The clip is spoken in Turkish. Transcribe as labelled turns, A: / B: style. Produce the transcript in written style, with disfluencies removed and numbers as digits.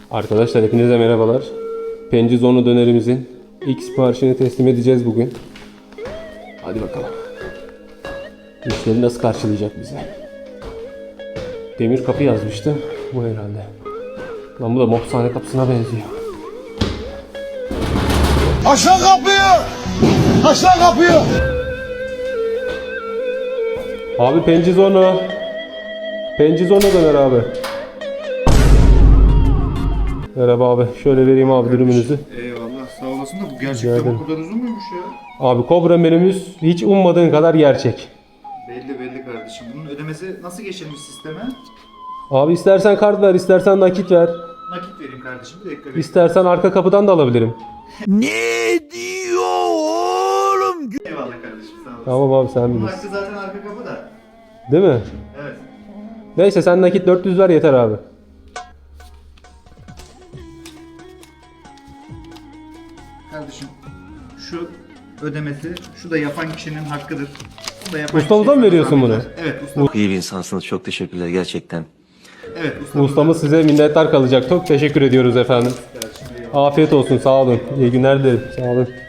A: Arkadaşlar hepinize merhabalar. Pencizonu dönerimizin ilk siparişini teslim edeceğiz bugün. Hadi bakalım. Müşteri nasıl karşılayacak bizi? Demir kapı yazmıştı. Bu herhalde. Lan bu da mopsane kapısına benziyor.
B: Aşağı kapıyı! Aşağı kapıyı!
A: Abi Pencizonu. Pencizonu döner abi. Merhaba abi. Şöyle vereyim abi dürümünüzü.
B: Eyvallah sağ olasın da bu gerçekten bu kadar uzun muymuş ya?
A: Abi Kobra menümüz hiç ummadığın kadar gerçek.
B: Belli kardeşim. Bunun ödemesi nasıl geçirmiş sisteme?
A: Abi istersen kart ver, istersen nakit ver.
B: Nakit vereyim kardeşim. Bir dakika bekle.
A: İstersen arka kapıdan da alabilirim.
B: Ne diyor oğlum? Eyvallah kardeşim sağ olasın.
A: Tamam abi sen
B: Bunun
A: bilirsin.
B: hakkı zaten arka kapı da.
A: Değil mi?
B: Evet.
A: Neyse sen nakit 400 ver yeter abi.
B: Kardeşim şu ödemesi, şu da yapan kişinin hakkıdır. Bu da yapan
A: Ustamıza
B: kişiye
A: mı veriyorsun bunu?
B: zahmetler. Evet ustamız.
C: Çok iyi bir insansınız. Çok teşekkürler gerçekten.
B: Evet ustamız.
A: Ustamız size minnettar kalacak. Çok teşekkür ediyoruz efendim. Afiyet olsun, sağ olun. İyi günler dilerim. Sağ olun.